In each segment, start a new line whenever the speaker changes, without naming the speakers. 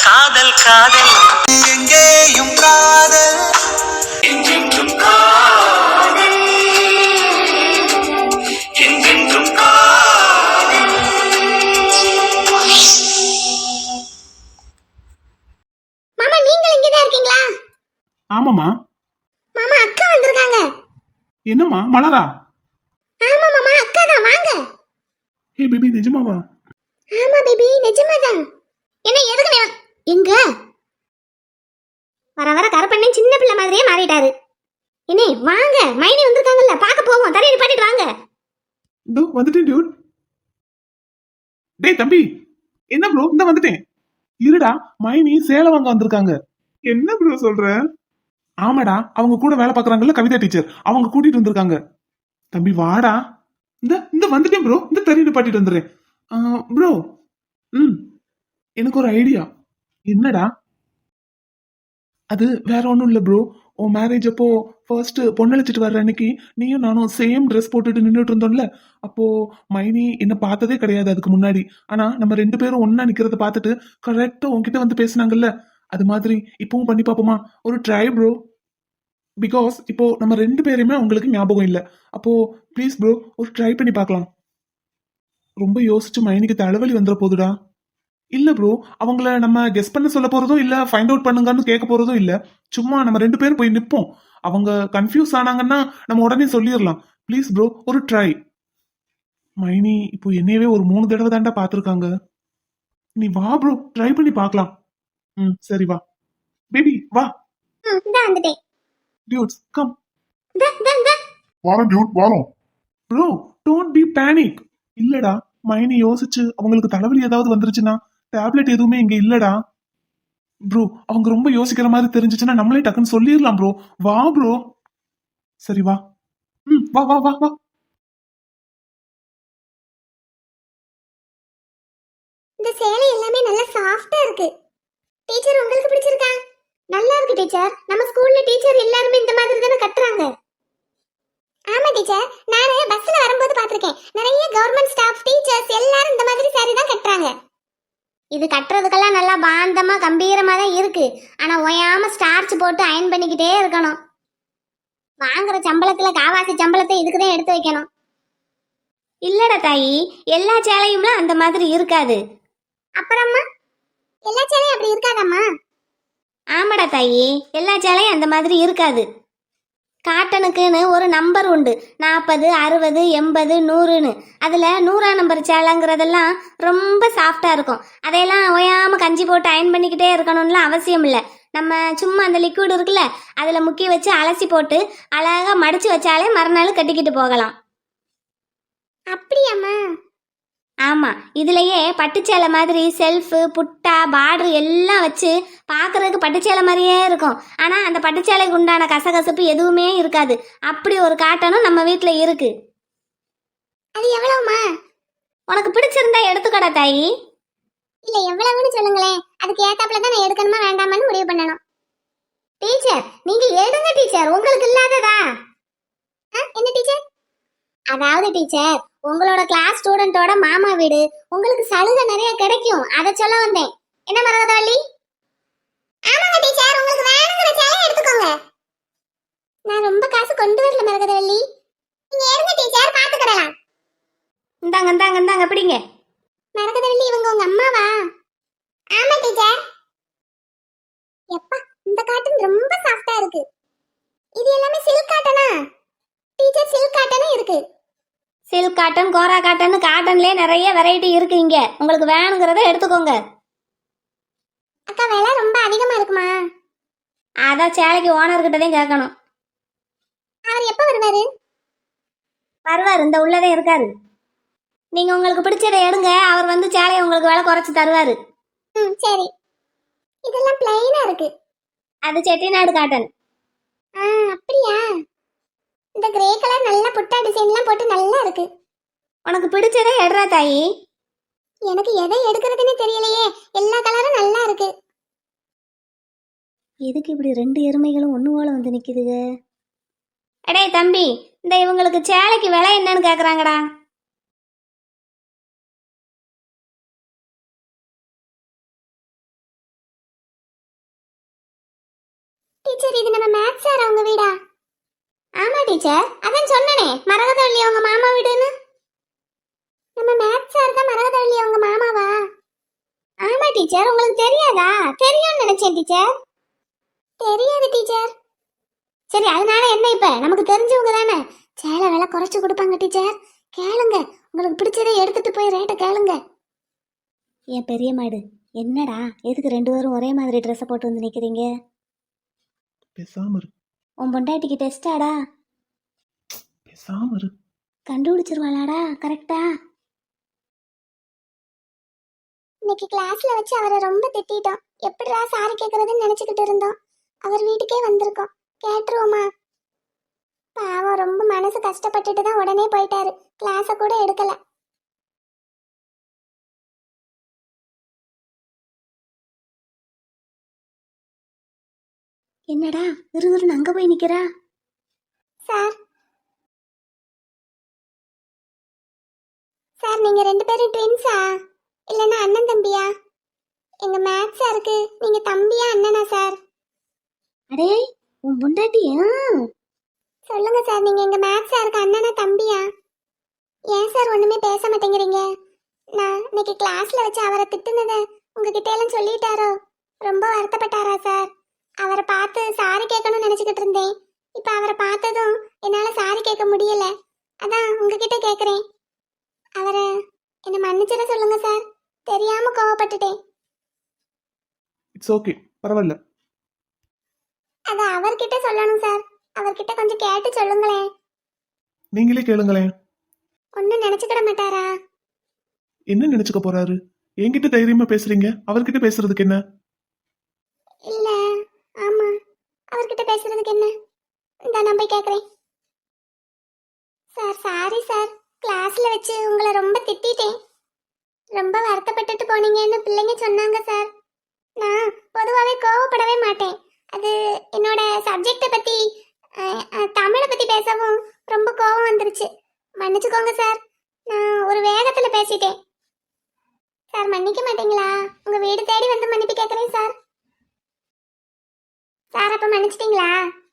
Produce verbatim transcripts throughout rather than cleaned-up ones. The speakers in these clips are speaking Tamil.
காதல் காதல் எங்கேயும் காதல் என்றென்றும் காதல் என்றென்றும் காதல்.
மாமா நீங்கள் இங்கே தான் இருக்கீங்களா?
ஆமாமா.
மாமா அக்கா வந்திருக்காங்க.
என்னம்மா மலரா?
ஆமா மாமா அக்கா தான், வாங்க.
ஏய் பேபி நிஜமாவா?
ஆமா பேபி நிஜமாதான். என்ன எதுக்கு நீ வ- எங்க வர வர கருப்பண்ணே சின்ன பிள்ளை மாதிரியே மாறிட்டாரு. என்ன வாங்க, மைனி வந்திருக்காங்கல்ல, பார்க்க போவோம். தரையை பாட்டிட்டு வாங்க.
இதோ வந்துட்டேன் டியூட். டேய் தம்பி, என்ன ப்ரோ இந்த வந்துட்டேன். இருடா, மைனி சேலம் வாங்க வந்திருக்காங்க. என்ன ப்ரோ சொல்ற? ஆமாடா, அவங்க கூட வேலை பாக்குறாங்கல்ல கவிதா டீச்சர், அவங்க கூட்டிட்டு வந்திருக்காங்க. தம்பி வாடா. இந்த இந்த வந்துட்டேன் ப்ரோ, இந்த தறியை பாட்டிட்டு வந்துடுறேன். ப்ரோ ம் எனக்கு ஒரு ஐடியா. என்னடா அது? வேற ஒன்றும் இல்லை ப்ரோ. உன் மேரேஜ் அப்போ ஃபர்ஸ்ட் பொண்ணழைச்சிட்டு வர்ற அன்னைக்கு நீயும் நானும் சேம் ட்ரெஸ் போட்டுட்டு நின்றுட்டு இருந்தோம்ல. அப்போ மைனி என்ன பார்த்ததே கிடையாது அதுக்கு முன்னாடி. ஆனா நம்ம ரெண்டு பேரும் ஒன்னா நிக்கிறத பார்த்துட்டு கரெக்டா உன்கிட்ட வந்து பேசினாங்கல்ல. அது மாதிரி இப்பவும் பண்ணி பார்ப்போமா? ஒரு ட்ரை ப்ரோ. பிகாஸ் இப்போ நம்ம ரெண்டு பேருமே உங்களுக்கு ஞாபகம் இல்லை. அப்போ ப்ளீஸ் ப்ரோ ஒரு ட்ரை பண்ணி பார்க்கலாம். ரொம்ப யோசிச்சு மைனிக்கு தலைவலி வந்துட போதுடா. இல்ல ப்ரோ, அவங்கள நம்ம கெஸ் பண்ண சொல்ல போறதும் இல்ல, ஃபைண்ட் அவுட் பண்ணுங்கன்னு கேட்க போறதும் இல்ல. சும்மா நம்ம ரெண்டு பேரும் போய் நிப்போம். அவங்க கன்ஃபியூஸ் ஆனாங்கன்னா நம்ம உடனே சொல்லிடலாம். ப்ளீஸ் ப்ரோ ஒரு ட்ரை. மைனி இப்போ என்னையவே ஒரு மூணு தடவை தாண்டா பாத்துருக்காங்க. நீ வா ப்ரோ, ட்ரை பண்ணி பார்க்கலாம். ம் சரி வா பேபி வா.
ம் இந்த வந்துட்டேன்.
Dudes come.
இந்த இந்த இந்த
வாரம் டியூட் வாரம்.
Bro don't be panic. இல்லடா, மைனி யோசிச்சு அவங்களுக்கு தலைவலி ஏதாவது வந்துருச்சுன்னா டேப்லெட் எதுவுமே இங்க இல்லடா. ப்ரோ அவங்க ரொம்ப யோசிக்கிற மாதிரி தெரிஞ்சுச்சுன்னா நம்மளே டக்குன்னு சொல்லிடலாம் ப்ரோ. வா ப்ரோ. சரி வா. ம் வா வா வா வா.
இந்த சேலை எல்லாமே நல்லா சாஃப்ட்டா இருக்கு. டீச்சர் உங்களுக்கு பிடிச்சிருக்கா? நல்லா இருக்கு டீச்சர். நம்ம ஸ்கூல்ல டீச்சர் எல்லாரும் இந்த மாதிரி தான கட்டறாங்க. ஆமா டீச்சர், நானே பஸ்ல வரும்போது பாத்திருக்கேன். நிறைய கவர்மெண்ட் ஸ்டாஃப் டீச்சர்ஸ் எல்லாரும் இந்த மாதிரி saree தான் கட்டறாங்க. இது கட்டுறதுக்கெல்லாம் நல்லா பாந்தமா கம்பீரமா தான் இருக்கு. ஆனா ஓயாம ஸ்டார்ச் போட்டு அயன் பண்ணிக்கிட்டே இருக்கணும். வாங்குற சம்பளத்துல காவாசி சம்பளத்தை இதுக்கு தான் எடுத்து வைக்கணும். இல்லடா தாயி, எல்லா சேலையும்ல அந்த மாதிரி இருக்காது. அப்புறமா எல்லா சேலையும் அப்படி இருக்காதம்மா? ஆமாடா தாயி, எல்லா சேலையும் அந்த மாதிரி இருக்காது. காட்டனுக்குன்னு ஒரு நம்பர் உண்டு, நாற்பது அறுபது எண்பது நூறுன்னு. அதில் நூறாம் நம்பர் சேலைங்கிறதெல்லாம் ரொம்ப சாஃப்டாக இருக்கும். அதையெல்லாம் ஓயாமல் கஞ்சி போட்டு அயன் பண்ணிக்கிட்டே இருக்கணும்லாம் அவசியம் இல்லை. நம்ம சும்மா அந்த லிக்விட் இருக்குல்ல, அதில் முக்கி வச்சு அலசி போட்டு அழகாக மடித்து வச்சாலே மறுநாள் கட்டிக்கிட்டு போகலாம். அப்படியாம்மா? ஆமாம், இதுலேயே பட்டுச்சேலை மாதிரி செல்ஃபு புட்டா பார்டர் எல்லாம் வச்சு பார்க்குறதுக்கு பட்டுச்சேலை மாதிரியே இருக்கும். ஆனால் அந்த பட்டுச்சேலைக்கு உண்டான கசகசப்பு எதுவுமே இருக்காது. அப்படி ஒரு காட்டனும் நம்ம வீட்டில் இருக்கு. அது எவ்வளவுமா? உனக்கு பிடிச்சிருந்தா எடுத்துக்கடா தாயி. இல்லை எவ்வளவுன்னு சொல்லுங்களேன், அதுக்கு ஏத்தாப்புல தான் நான் எடுக்கணுமா வேண்டாமான்னு முடிவு பண்ணணும். டீச்சர் நீங்க எடுங்க டீச்சர், உங்களுக்கு இல்லாததா? என்ன டீச்சர்? அதாவது டீச்சர், உங்களோட கிளாஸ் ஸ்டூடெண்டோட மாமா வீடு, உங்களுக்கு சலுகை நிறைய கிடைக்கும், அதை சொல்ல வந்தேன். என்ன மரகதவள்ளி? ஆமாங்க டீச்சர், உங்களுக்கு வேணுங்கிற சேலை எடுத்துக்கோங்க. நான் ரொம்ப காசு கொண்டு வரல மரகதவள்ளி, நீங்க எடுங்க டீச்சர், பாத்துக்கலாம். இந்தாங்க இந்தாங்க இந்தாங்க பிடிங்க. மரகதவள்ளி இவங்க உங்க அம்மாவா? ஆமா டீச்சர். எப்பா இந்த காட்டன் ரொம்ப சாஃப்ட்டா இருக்கு. இது எல்லாமே சில்க் காட்டனா? டீச்சர் சில்க் காட்டனும் இருக்கு. சில்க் காட்டன் கோரா காட்டன் காட்டன்லயே நிறைய வெரைட்டி இருக்கு. இங்க உங்களுக்கு வேணுங்கிறத எடுத்துக்கோங்க. அக்கா விலை ரொம்ப அதிகமா இருக்குமா? அதான் சேலைக்கு ஓனர் கிட்ட தான் கேட்கணும். அவர் எப்ப வருவாரு? வருவார், இந்த உள்ளதே இருக்காரு. நீங்க உங்களுக்கு பிடிச்சதை எடுங்க, அவர் வந்து சேலையை உங்களுக்கு விலை குறைச்சு தருவாரு. ம் சரி. இதெல்லாம் பிளைனா இருக்கு. அது செட்டிநாடு காட்டன். ஆ அப்படியா? இந்த கிரே கலர் நல்ல புட்டா டிசைன்லாம் போட்டு நல்லா இருக்கு. உனக்கு பிடிச்சதே எடுறா தாயி. எனக்கு எதை எடுக்கிறதுன்னு தெரியலையே, எல்லா கலரும் நல்லா இருக்கு. எதுக்கு இப்படி ரெண்டு எருமைகளும் ஒன்று போல வந்து நிற்குதுங்க? அடே தம்பி, இந்த இவங்களுக்கு சேலைக்கு விலை என்னன்னு கேட்குறாங்கடா. டீச்சர் இது நம்ம மேத்ஸ் சார் அவங்க வீடா? ஆமா டீச்சர், அதான் சொன்னனே மரகதவள்ளி அவங்க மாமா வீடுன்னு. நம்ம மேத்ஸ் சார் தான் மரகதவள்ளி அவங்க மாமாவா? ஆமா டீச்சர், உங்களுக்கு தெரியாதா? தெரியும்னு நினைச்சேன் டீச்சர். தெரியாது டீச்சர். சரி, அதனால என்ன, இப்ப நமக்கு தெரிஞ்சவங்க தானே, சேலை விலை குறைச்சு கொடுப்பாங்க டீச்சர். கேளுங்க, உங்களுக்கு பிடிச்சதை எடுத்துட்டு போய் ரேட்டை கேளுங்க. என் பெரிய மாடு, என்னடா எதுக்கு ரெண்டு பேரும் ஒரே மாதிரி ட்ரெஸ்ஸை போட்டு வந்து நிக்கிறீங்க?
பேசாம இரு,
உன் பொண்டாட்டிக்கு டெஸ்டாடா?
பேசாம இரு.
கண்டுபிடிச்சிருவாளாடா கரெக்டா? இன்னைக்கு கிளாஸ்ல வச்சு அவரை ரொம்ப திட்டிட்டோம். எப்படிடா சாரி கேட்கறதுன்னு நினைச்சுக்கிட்டு இருந்தோம். அவர் வீட்டுக்கே வந்திருக்கோம், கேட்டுருவோமா? பாவம், ரொம்ப மனசு கஷ்டப்பட்டுட்டு தான் உடனே போயிட்டாரு. கிளாஸ கூட எடுக்கல. என்னடா விறுவிறுன்னு அங்க போய் நிக்கிறா? சார் சார், நீங்க ரெண்டு பேரும் ட்வின்ஸா இல்லைன்னா அண்ணன் தம்பியா? எங்க மேத்ஸ் சாருக்கு நீங்க தம்பியா அண்ணனா சார்? அடே, உன் பொண்டாட்டியா? சொல்லுங்க சார், நீங்க எங்க மேத்ஸ் சாருக்கு அண்ணனா தம்பியா? ஏன் சார் ஒண்ணுமே பேச மாட்டேங்கிறீங்க? நான் இன்னைக்கு கிளாஸ்ல வச்சு அவரை திட்டுனதை உங்ககிட்ட எல்லாம் சொல்லிட்டாரோ? ரொம்ப வருத்தப்பட்டாரா சார்? அவரை பார்த்து சாரி கேட்கணும்னு நினைச்சுக்கிட்டு இருந்தேன். இப்ப அவரை பார்த்ததும் என்னால சாரி கேட்க முடியல. அதான் உங்ககிட்ட கேக்குறேன். அவரை என்ன மன்னிச்சிட சொல்லுங்க சார். தெரியாம கோவப்பட்டுட்டேன்.
இட்ஸ் ஓகே, பரவாயில்ல.
அத அவர்கிட்ட சொல்லணும் சார். அவர்கிட்ட கொஞ்சம் கேட்டு சொல்லுங்களேன்.
நீங்களே கேளுங்களேன்.
ஒன்னும் நினைச்சுக்கிட மாட்டாரா?
என்ன நினைச்சுக்க போறாரு? என்கிட்ட தைரியமா பேசுறீங்க, அவர்கிட்ட பேசுறதுக்கு என்ன?
இல்ல, ஆமா, அவர்கிட்ட பேசுறதுக்கு என்ன? இந்த நான் போய் கேக்குறேன். சார், சாரி சார், கிளாஸ்ல வச்சு உங்களை ரொம்ப திட்டிட்டேன். ரொம்ப வருத்தப்பட்டுட்டு போனீங்கன்னு பிள்ளைங்க சொன்னாங்க சார். நான் பொதுவாகவே கோவப்படவே மாட்டேன். அது என்னோட சப்ஜெக்டை பத்தி அஹ், அஹ், தமிழை பத்தி பேசவும் ரொம்ப கோவம் வந்துருச்சு. மன்னிச்சுக்கோங்க சார், நான் ஒரு வேகத்துல பேசிட்டேன். சார், மன்னிக்க மாட்டீங்களா? உங்க வீடு தேடி வந்து மன்னிப்பு கேட்கறேன் சார். சார், அப்ப மன்னிச்சிட்டீங்களா?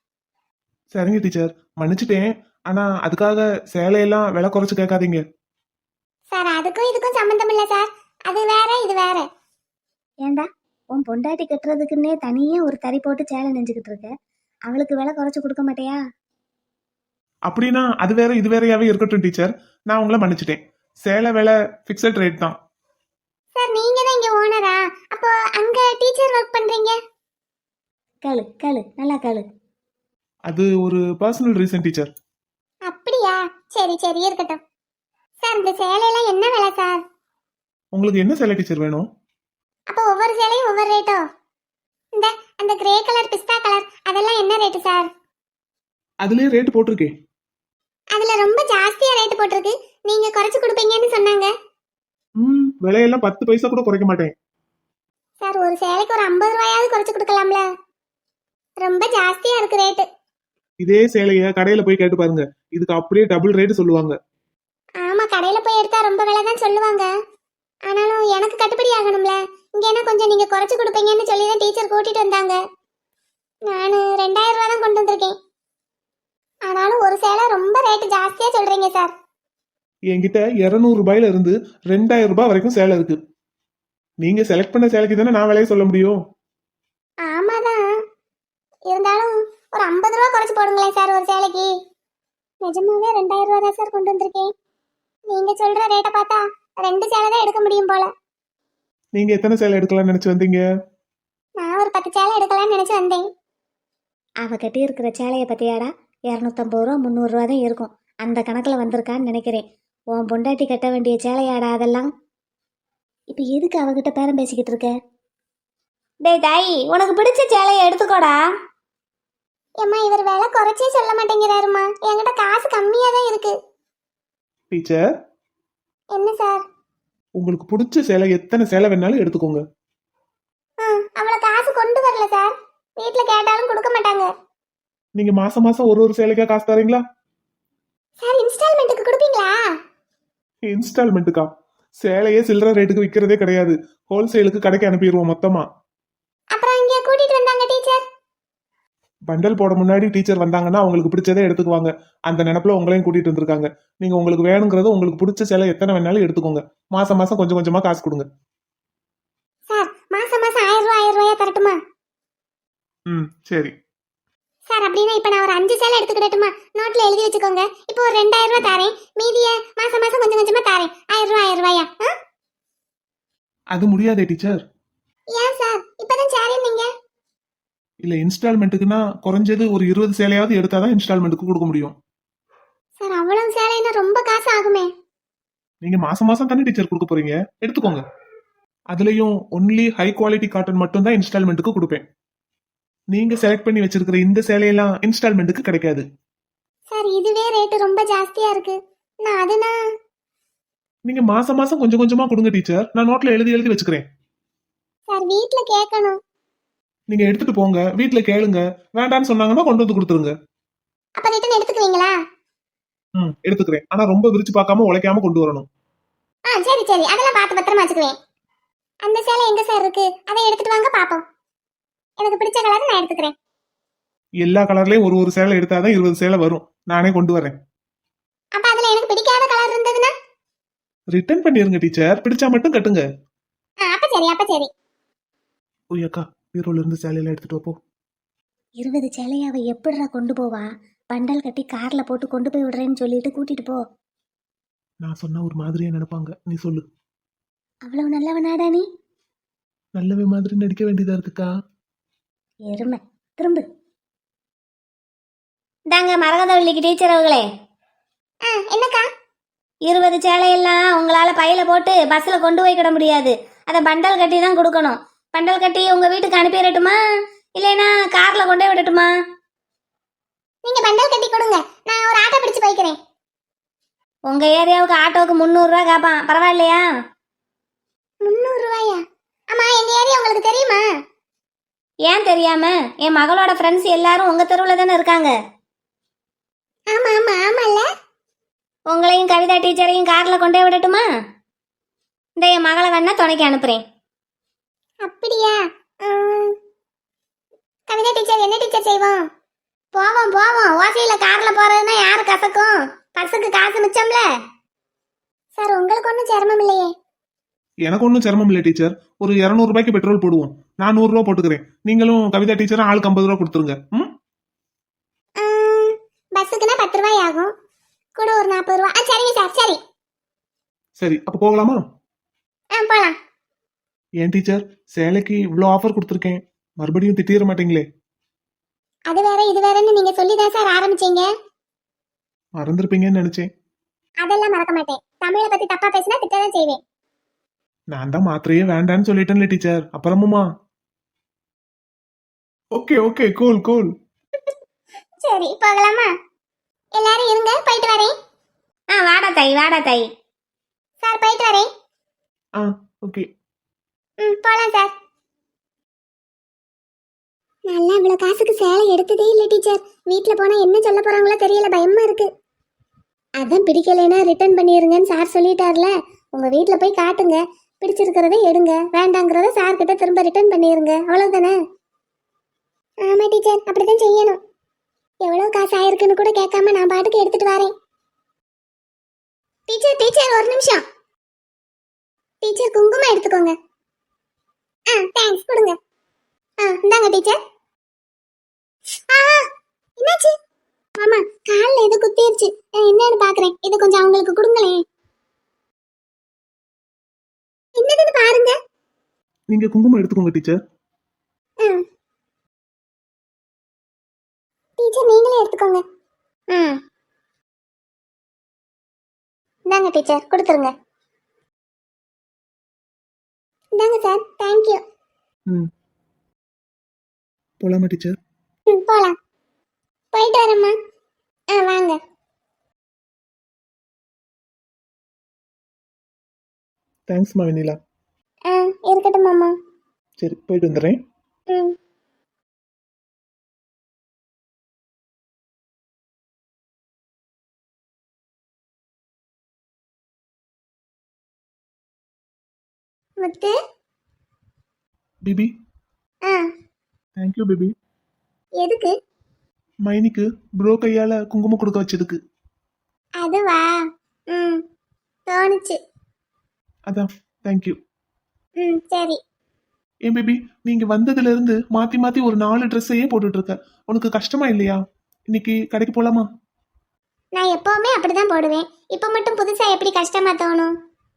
சரிங்க டீச்சர், மன்னிச்சிட்டேன். ஆனா அதுக்காக சேலையெல்லாம் விலை குறைச்சு கேட்காதீங்க.
சார், அதுக்கும் இதுக்கும் சம்பந்தம் இல்ல சார். அது வேற, இது வேற. ஏண்டா, உன் பொண்டாட்டி கட்டுறதுக்குன்னே தனியே ஒரு தறி போட்டு சேலை நெஞ்சுக்கிட்டு இருக்க. அவளுக்கு விலை குறைச்சு கொடுக்க மாட்டியா?
அப்படின்னா அது வேற இது வேறையாவே இருக்கட்டும் டீச்சர். நான் உங்களை மன்னிச்சிட்டேன். சேலை விலை ஃபிக்ஸட் ரேட் தான்.
சார், நீங்க தான் இங்க ஓனரா? அப்போ அங்க டீச்சர் ஒர்க் பண்றீங்க? கேளு கேளு, நல்லா கேளு.
அது ஒரு பர்சனல் ரீசன் டீச்சர்.
அப்படியா? சரி சரி, இருக்கட்டும். சார், இந்த சேலையெல்லாம் என்ன விலை சார்?
உங்களுக்கு என்ன சேலை டீச்சர் வேணும்?
அப்போ ஒவ்வொரு சேலையும் ஒவ்வொரு ரேட்டோ? இந்த அந்த கிரே கலர், பிஸ்தா கலர், அதெல்லாம் என்ன ரேட்டு சார்?
அதுலயே ரேட் போட்டிருக்கேன்.
அதுல ரொம்ப ஜாஸ்தியா ரேட் போட்டிருக்கு. நீங்க குறைச்சு கொடுப்பீங்கன்னு சொன்னாங்க.
ம் விலையெல்லாம் பத்து பைசா கூட குறைக்க மாட்டேன்.
சார், ஒரு சேலைக்கு ஒரு ஐம்பது ரூபாயாவது குறைச்சு கொடுக்கலாம்ல? ரொம்ப ஜாஸ்தியா இருக்கு ரேட்டு.
இதே சேலைய கடையில போய் கேட்டு பாருங்க, இதுக்கு அப்படியே டபுள் ரேட் சொல்லுவாங்க.
ஆமா, கடையில போய் எடுத்தா ரொம்ப விலை தான் சொல்லுவாங்க. ஆனாலும் எனக்கு கட்டுப்படி ஆகணும்ல. இங்க என்ன கொஞ்சம் நீங்க குறைச்சு கொடுப்பீங்கன்னு சொல்லி தான் டீச்சர் கூட்டிட்டு வந்தாங்க. நான் ரெண்டாயிரம் ரூபா தான் கொண்டு வந்திருக்கேன். ஆனாலும் ஒரு சேலை ரொம்ப ரேட்டு ஜாஸ்தியா சொல்றீங்க சார்.
என்கிட்ட இருநூறு ரூபாயில இருந்து ரெண்டாயிரம் ரூபாய் வரைக்கும் சேலை இருக்கு. நீங்க செலக்ட் பண்ண சேலைக்கு தானே நான் விலையை சொல்ல முடியும்.
ஆமாதான், இருந்தாலும் ஒரு ஐம்பது ரூபா குறைச்சு போடுங்களேன் சார் ஒரு சேலைக்கு. நிஜமாவே ரெண்டாயிரம் ரூபா தான் சார் கொண்டு வந்திருக்கேன். நீங்க சொல்ற ரேட்டை பார்த்தா ரெண்டு சேலை தான் எடுக்க முடியும் போல.
நீங்க எத்தனை சேலை எடுக்கலாம்னு நினைச்சு வந்தீங்க?
நான் ஒரு பத்து சேலை எடுக்கலாம்னு நினைச்சு வந்தேன். அவ கட்டி இருக்கிற சேலையை பத்தியாடா இரநூத்தம்பது ரூபா முந்நூறு ரூபா தான் இருக்கும். அந்த கணக்கில் வந்திருக்கான்னு நினைக்கிறேன். உன் பொண்டாட்டி கட்ட வேண்டிய சேலையாடா அதெல்லாம். இப்போ எதுக்கு அவகிட்ட பேரம் பேசிக்கிட்டு இருக்க? டேய் தாயி, உனக்கு பிடிச்ச சேலையை எடுத்துக்கோடா. ஏம்மா, இவர் விலை குறைச்சே சொல்ல மாட்டேங்கிறாருமா. என்கிட்ட காசு கம்மியா தான் இருக்கு.
டீச்சர்,
என்ன சார்?
உங்களுக்கு பிடிச்ச சேலை எத்தனை சேலை வேணாலும் எடுத்துக்கோங்க.
ஆ, அவ்வளோ காசு கொண்டு வரல சார். வீட்டில் கேட்டாலும் கொடுக்க மாட்டாங்க.
நீங்க மாசம் மாசம் ஒரு ஒரு சேலைக்கா காசு தரீங்களா?
சார், இன்ஸ்டால்மெண்ட்டுக்கு கொடுப்பீங்களா?
இன்ஸ்டால்மெண்ட்டுக்கா? சேலையே சில்லற ரேட்டுக்கு விற்கிறதே கிடையாது. ஹோல்சேலுக்கு கடைக்கு அனுப்பிடுவோம் மொத்தமா.
அப்புறம் இங்கே கூட்டிட்டு வந்தாங்க டீச்சர்.
பண்டல் போட முன்னாடி டீச்சர் வந்தாங்கன்னா அவங்களுக்கு பிடிச்சதே எடுத்துக்குவாங்க. அந்த நினைப்புல உங்களையும் கூட்டிட்டு வந்திருக்காங்க. நீங்க உங்களுக்கு வேணுங்கிறது உங்களுக்கு பிடிச்ச சேலை எத்தனை வேணாலும் எடுத்துக்கோங்க. மாசம் மாசம் கொஞ்சம் கொஞ்சமா காசு கொடுங்க.
சார் மாசம் மாசம் ஆயிரம் ரூபாய் ஆயிரம் ரூபாயா தரட்டுமா?
ம் சரி.
சார் அப்படின்னா இப்ப நான் ஒரு அஞ்சு சேலை எடுத்துக்கிடட்டுமா? நோட்ல எழுதி வச்சுக்கோங்க. இப்போ ஒரு ரெண்டாயிரம் ரூபாய் தாரேன், மீதிய மாசம் மாசம் கொஞ்சம் கொஞ்சமா தாரேன். ஆயிரம் ரூபாய் ஆயிரம் ரூபாயா? ஆ?
அது முடியாதே டீச்சர்.
ஏன் சார் இப்பதான் சேரேன் நீங்க?
இல்ல இன்ஸ்டால்மெண்ட்டுக்குன்னா குறைஞ்சது ஒரு இருபது சேலையாவது எடுத்தாதான் இன்ஸ்டால்மெண்ட்டுக்கு கொடுக்க முடியும்.
சார் அவ்வளவு சேலைன்னா ரொம்ப காசு ஆகுமே.
நீங்க மாசம் மாசம் தானே டீச்சர் கொடுக்க போறீங்க, எடுத்துக்கோங்க. அதுலயும் ஒன்லி ஹை குவாலிட்டி காட்டன் மட்டும் தான் இன்ஸ்டால்மெண்ட்டுக்கு கொடுப்பேன். நீங்க செலக்ட் பண்ணி வச்சிருக்கிற இந்த சேலையெல்லாம் இன்ஸ்டால்மெண்ட்டுக்கு கிடைக்காது.
சார் இதுவே ரேட்டு ரொம்ப ஜாஸ்தியா இருக்கு. நான் அதுனா
நீங்க மாசம் மாசம் கொஞ்சம் கொஞ்சமா கொடுங்க டீச்சர். நான் நோட்ல எழுதி எழுதி வச்சுக்கிறேன்.
சார் வீட்ல கேட்கணும்.
நீங்க எடுத்துட்டு போங்க, வீட்ல கேளுங்க. வேண்டான்னு சொன்னாங்கன்னா கொண்டு வந்து கொடுத்துருங்க.
அப்ப ரிட்டன் எடுத்துக்குவீங்களா?
ம் எடுத்துக்கிறேன். ஆனா ரொம்ப விரிச்சு பார்க்காம உழைக்காம கொண்டு வரணும்.
ஆ சரி சரி, அதெல்லாம் பார்த்து பத்திரமா வச்சுக்குவேன். அந்த சேலை எங்க சார் இருக்கு? அதை எடுத்துட்டு வாங்க பாப்போம். எனக்கு பிடிச்ச கலர் நான் எடுத்துக்கிறேன்.
எல்லா கலர்லயும் ஒரு ஒரு சேலை எடுத்தாதான் இருபது சேலை வரும். நானே கொண்டு வரேன்.
அப்ப அதுல எனக்கு பிடிக்காத கலர் இருந்ததுன்னா
ரிட்டர்ன் பண்ணிருங்க டீச்சர். பிடிச்சா மட்டும் கட்டுங்க.
ஆ, அப்ப சரி அப்ப சரி.
ஓய் அக்கா, பீரோல இருந்து சேலையெல்லாம் எடுத்துட்டு வா போ.
இருபது சேலையை அவ எப்படிடா கொண்டு போவா? பண்டல் கட்டி கார்ல போட்டு கொண்டு போய் விடுறேன்னு சொல்லிட்டு கூட்டிட்டு போ.
நான் சொன்னா ஒரு மாதிரியா நினைப்பாங்க. நீ சொல்லு.
அவ்வளவு நல்லவனாடா நீ?
நல்லவே மாதிரி நடிக்க வேண்டியதா இருக்குக்கா.
எருமை திரும்ப. தாங்க மரகதவள்ளிக்கு டீச்சர் அவர்களே. என்னக்கா? இருபது சேலையெல்லாம் உங்களால பையில போட்டு பஸ்ல கொண்டு போய் கிட முடியாது. அதை பண்டல் கட்டி தான் கொடுக்கணும். பண்டல் கட்டி உங்க வீட்டுக்கு அனுப்பிடட்டுமா, இல்லைன்னா கார்ல கொண்டே விடட்டுமா? நீங்க பண்டல் கட்டி கொடுங்க, நான் ஒரு ஆட்டோ பிடிச்சு போய்க்கிறேன். உங்க ஏரியாவுக்கு ஆட்டோவுக்கு முந்நூறு ரூபாய் கேட்பான், பரவாயில்லையா? முந்நூறு ரூபாயா? ஆமா, எங்க ஏரியா உங்களுக்கு தெரியுமா? ஏன் தெரியாம? என் மகளோட ஃப்ரெண்ட்ஸ் எல்லாரும் உங்க தெருவுல தானே இருக்காங்க. ஆமா ஆமா ஆமால. உங்களையும் கவிதா டீச்சரையும் கார்ல கொண்டே விடட்டுமா? இந்த என் மகளை வேணா துணைக்கு அனுப்புறேன். அப்படியா? கவிதா டீச்சர் என்ன டீச்சர் செய்வோம்? போவோம் போவோம். ஓசையில கார்ல போறதுன்னா யாரு கசக்கும்? பஸ்ஸுக்கு காசு மிச்சம்ல. சார் உங்களுக்கு ஒன்றும் சிரமம் இல்லையே?
எனக்கு ஒன்றும் சிரமம் இல்லை டீச்சர். ஒரு இருநூறு ரூபாய்க்கு பெட்ரோல் போடுவோம். நான் நூறு ரூபா போட்டுக்கிறேன். நீங்களும் கவிதா டீச்சரும் ஆளுக்கு ஐம்பது ரூபா கொடுத்துருங்க. ம்
பஸ்ஸுக்குன்னா பத்து ரூபாய் ஆகும், கூட ஒரு நாற்பது ரூபா. சரிங்க சார் சரி.
சரி அப்ப போகலாமா?
ஆ போலாம்.
ஏன் டீச்சர், சேலைக்கு இவ்வளோ ஆஃபர் கொடுத்துருக்கேன், மறுபடியும் திட்டிட மாட்டீங்களே?
அது வேற இது வேறன்னு நீங்க சொல்லிதான் சார் ஆரம்பிச்சீங்க.
மறந்துருப்பீங்கன்னு நினைச்சேன்.
அதெல்லாம் மறக்க மாட்டேன். தமிழை பத்தி தப்பா பேசினா திட்டதான் செய்வேன்.
நான் தான் மாத்திரையே வேண்டான்னு சொல்லிட்டேன்ல டீச்சர், அப்புறமுமா? Okay okay cool cool.
சரி போகலாமா? எல்லாரும் இருங்க, போயிட்டு வரேன். ஆ வாடா தாய் வாடா தாய். சார் போயிட்டு வரேன்.
ஆ ஓகே.
ம் போலாம் சார். நல்லா இவ்வளவு காசுக்கு சேலை எடுத்ததே இல்லை டீச்சர். வீட்டில் போனா என்ன சொல்ல போறாங்களோ தெரியல, பயமா இருக்கு. அதான் பிடிக்கலைன்னா ரிட்டர்ன் பண்ணிருங்கன்னு சார் சொல்லிட்டார்ல. உங்க வீட்டில் போய் காட்டுங்க, பிடிச்சிருக்கிறத எடுங்க, வேண்டாங்கிறத சார் கிட்ட திரும்ப ரிட்டர்ன் பண்ணிருங்க, அவ்வளவுதானே? ஆமா டீச்சர், அப்படிதான் செய்யணும். எவ்வளவு காசு ஆயிருக்குன்னு கூட கேட்காம நான் பாட்டுக்கு எடுத்துட்டு வரேன். டீச்சர் டீச்சர் ஒரு நிமிஷம். டீச்சர் குங்குமம் எடுத்துக்கோங்க. ஆ தேங்க்ஸ், கொடுங்க. ஆ இந்தாங்க டீச்சர். ஆ என்னாச்சு? ஆமா காலில் எது குத்திருச்சு, என்னன்னு பாக்குறேன். இது கொஞ்சம் அவங்களுக்கு கொடுங்களேன். என்னதுன்னு பாருங்க.
நீங்க குங்குமம் எடுத்துக்கோங்க டீச்சர்.
டீச்சர் நீங்களே எடுத்துக்கோங்க. ம் இந்தாங்க டீச்சர், கொடுத்துருங்க. இந்தாங்க சார், தேங்க்யூ.
ம் போலாமா டீச்சர்?
ம் போலாம். போயிட்டு வரேம்மா. ஆ வாங்க.
தேங்க்ஸ்மா வெண்ணிலா.
ஆ இருக்கட்டும் மாமா.
சரி போயிட்டு வந்துடுறேன்.
ம் முத்து.
பிபி.
ஆ
தேங்க்யூ பிபி.
எதுக்கு?
மைனிக்கு ப்ரோ கையால குங்குமம் கொடுக்க வச்சதுக்கு.
அதுவா? ம், தோணுச்சு.
அதான், தேங்க்யூ.
ம், சரி.
ஏன் பேபி, நீங்க வந்ததுல இருந்து மாத்தி மாத்தி ஒரு நாலு ட்ரெஸ்ஸையே போட்டுட்டு இருக்க. உனக்கு கஷ்டமா இல்லையா? இன்னைக்கு கடைக்கு போலாமா?
நான் எப்பவுமே அப்படிதான் போடுவேன். இப்போ மட்டும் புதுசா எப்படி கஷ்டமா தோணும்?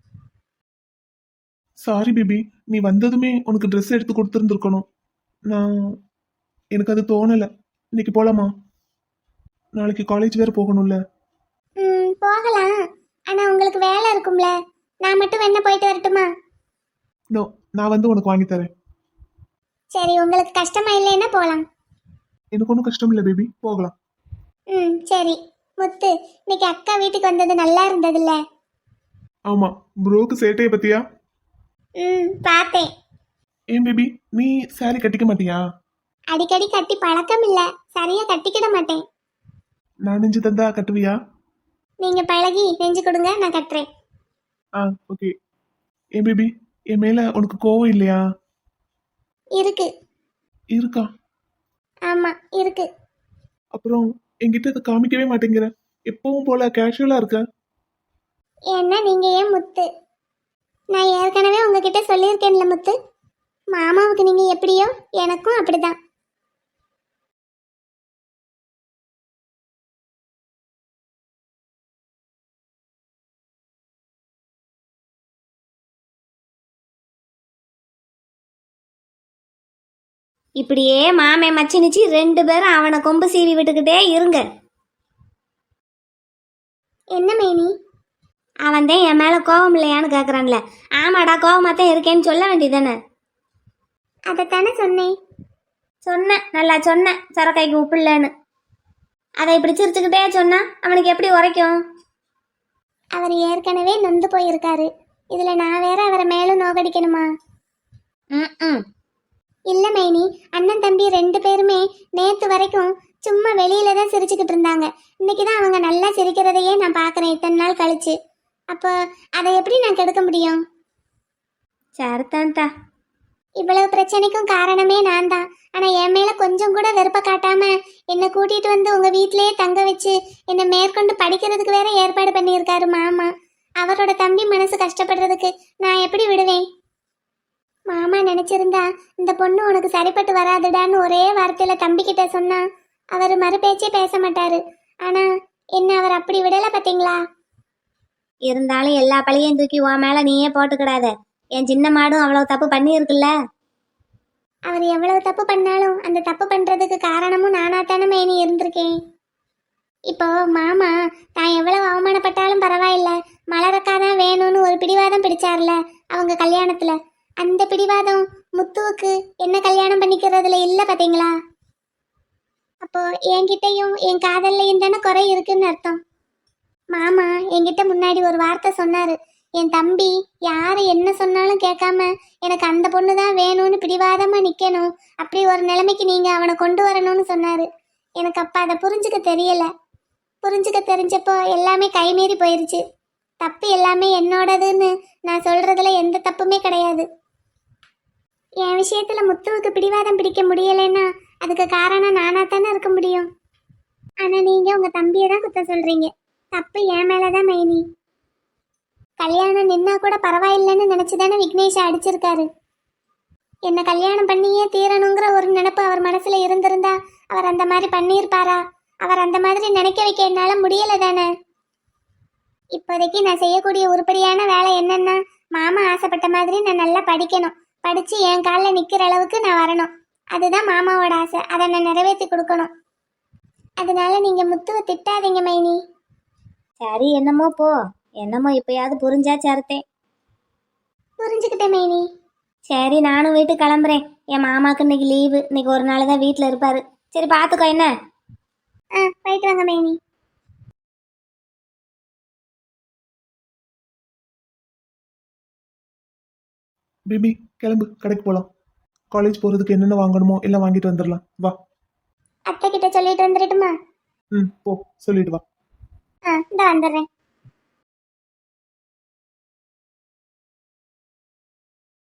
சாரி பேபி, நீ வந்ததுமே உனக்கு ட்ரெஸ் எடுத்து கொடுத்துருந்துருக்கணும். நான் எனக்கு அது தோணல. இன்னைக்கு போலாமா? நாளைக்கு காலேஜ் வேற போகணும்ல.
ம், போகலாம். ஆனா உங்களுக்கு வேலை இருக்கும்ல. நான் மட்டும் வேணா போயிட்டு வரட்டுமா?
நோ, நான் வந்து உனக்கு வாங்கி தரேன்.
சரி, உங்களுக்கு கஷ்டமா இல்லைன்னா போலாம்.
எனக்கு ஒன்றும் கஷ்டம் இல்லை பேபி, போகலாம்.
ம், சரி. முத்து, இன்னைக்கு அக்கா வீட்டுக்கு வந்தது நல்லா இருந்ததுல்ல?
ஆமா, ப்ரோக்கு சேட்டையை பத்தியா?
ம், பார்த்தேன்.
ஏன் பேபி, நீ சாரி கட்டிக்க மாட்டியா?
அடிக்கடி கட்டி பழக்கம் இல்ல, சரியா கட்டிக்கிட மாட்டேன்.
நான் நெஞ்சு தந்தா கட்டுவியா?
நீங்க பழகி நெஞ்சு கொடுங்க, நான் கட்டுறேன்.
ஆ, ஓகே. ஏன் பேபி, என் மேல உனக்கு கோவம் இல்லையா?
இருக்கு.
இருக்கா?
ஆமா, இருக்கு.
அப்புறம் என்கிட்ட அதை காமிக்கவே மாட்டேங்கிற. எப்பவும் போல கேஷுவலா இருக்க.
ஏன்னா நீங்க ஏன் முத்து? நான் ஏற்கனவே உங்ககிட்ட சொல்லியிருக்கேன்ல முத்து, மாமாவுக்கு நீங்க எப்படியோ எனக்கும் அப்படிதான். இப்படியே மாமே மச்சினிச்சு ரெண்டு பேரும் அவனை கொம்பு சீவி விட்டுக்கிட்டே இருங்க. என்ன மேனி? அவன் தான் என் மேல கோவம் இல்லையான்னு கேக்குறான்ல. ஆமாடா, கோவமா தான் இருக்கேன்னு சொல்ல வேண்டியதானே? அதைத்தானே சொன்னேன். சொன்னேன், நல்லா சொன்னேன், சரக்காய்க்கு உப்பு இல்லைன்னு. அதை இப்படி சிரிச்சுக்கிட்டே சொன்னா அவனுக்கு எப்படி உரைக்கும்? அவர் ஏற்கனவே நொந்து போயிருக்காரு. இதுல நான் வேற அவரை மேலும் நோகடிக்கணுமா? ம் இல்ல மைனி, அண்ணன் தம்பி ரெண்டு பேருமே நேத்து வரைக்கும் சும்மா வெளியில தான் சிரிச்சுக்கிட்டு இருந்தாங்க. இன்னைக்கு தான் அவங்க நல்லா சிரிக்கிறதையே நான் பார்க்கறேன் இத்தனை நாள் கழிச்சு. அப்போ அதை எப்படி நான் கெடுக்க முடியும்? சரிதான்டா. இவ்வளவு பிரச்சனைக்கும் காரணமே நான் தான். ஆனா என் மேல கொஞ்சம் கூட வெறுப்ப காட்டாம என்னை கூட்டிட்டு வந்து உங்க வீட்டிலேயே தங்க வச்சு என்னை மேற்கொண்டு படிக்கிறதுக்கு வேற ஏற்பாடு பண்ணியிருக்காரு மாமா. அவரோட தம்பி மனசு கஷ்டப்படுறதுக்கு நான் எப்படி விடுவேன்? மாமா நினைச்சிருந்தா இந்த பொண்ணு உனக்கு சரிப்பட்டு வராதுடான்னு ஒரே வார்த்தையில தம்பி கிட்ட சொன்னா அவர் மறுபேச்சே பேச மாட்டாரு. ஆனா என்ன அவர் அப்படி விடல பாத்தீங்களா? இருந்தாலும் எல்லா பழியையும் தூக்கி உன் மேல நீயே போட்டுக்கிடாத. என் சின்ன மாடும் அவ்வளவு தப்பு பண்ணி இருக்குல்ல. அவர் எவ்வளவு தப்பு பண்ணாலும் அந்த தப்பு பண்றதுக்கு காரணமும் நானா தானே மேனி இருந்திருக்கேன். இப்போ மாமா தான் எவ்வளவு அவமானப்பட்டாலும் பரவாயில்ல, மலரக்காதான் வேணும்னு ஒரு பிடிவாதம் பிடிச்சார்ல அவங்க கல்யாணத்துல. அந்த பிடிவாதம் முத்துவுக்கு என்ன கல்யாணம் பண்ணிக்கிறதுல இல்ல பாத்தீங்களா? அப்போ என்கிட்டயும் என் காதல்லையும் தானே குறை இருக்குன்னு அர்த்தம். மாமா என்கிட்ட முன்னாடி ஒரு வார்த்தை சொன்னாரு. என் தம்பி யாரு என்ன சொன்னாலும் கேட்காம எனக்கு அந்த பொண்ணு தான் வேணும்னு பிடிவாதமா நிக்கணும், அப்படி ஒரு நிலைமைக்கு நீங்க அவனை கொண்டு வரணும்னு சொன்னாரு. எனக்கு அப்ப அதை புரிஞ்சுக்க தெரியல. புரிஞ்சுக்க தெரிஞ்சப்போ எல்லாமே கைமீறி போயிருச்சு. தப்பு எல்லாமே என்னோடதுன்னு நான் சொல்றதுல எந்த தப்புமே கிடையாது. என் விஷயத்துல முத்துவுக்கு பிடிவாதம் பிடிக்க முடியலைன்னா அதுக்கு காரணம் நானா தானே இருக்க முடியும். ஆனா நீங்க உங்க தம்பியை தான் குத்த சொல்றீங்க. தப்பு என் மேலதான் மைனி. கல்யாணம் நின்னா கூட பரவாயில்லைன்னு நினைச்சுதானே விக்னேஷை அடிச்சிருக்காரு. என்ன கல்யாணம் பண்ணியே தீரணுங்கிற ஒரு நினைப்பு அவர் மனசுல இருந்திருந்தா அவர் அந்த மாதிரி பண்ணியிருப்பாரா? அவர் அந்த மாதிரி நினைக்க வைக்க என்னால முடியல தானே. இப்போதைக்கு நான் செய்யக்கூடிய உருப்படியான வேலை என்னன்னா, மாமா ஆசைப்பட்ட மாதிரி நான் நல்லா படிக்கணும், படிச்சு என் காலில் நிக்கிற அளவுக்கு நான் வரணும். அதுதான் மாமாவோட ஆசை. அதை நான் நிறைவேற்றி கொடுக்கணும். அதனால நீங்க முத்துவை திட்டாதீங்க மைனி. சரி, என்னமோ போ. என்னமோ இப்பயாவது புரிஞ்சா சரத்தேன். புரிஞ்சுக்கிட்டேன் மைனி. சரி, நானும் வீட்டுக்கு கிளம்புறேன். என் மாமாவுக்கு இன்னைக்கு லீவு. இன்னைக்கு ஒரு நாள் தான் வீட்டில் இருப்பாரு. சரி, பார்த்துக்கோ என்ன. ஆ, போயிட்டு வாங்க மைனி.
பேபி, கிளம்பு, கடைக்கு போலாம். காலேஜ் போறதுக்கு என்னென்ன வாங்கணுமோ எல்லாம் வாங்கிட்டு வந்துடலாம். வா.
அத்தை கிட்ட சொல்லிட்டு வந்துடட்டுமா?
ம், போ, சொல்லிட்டு வா.
ஆ, இந்த வந்துடுறேன்.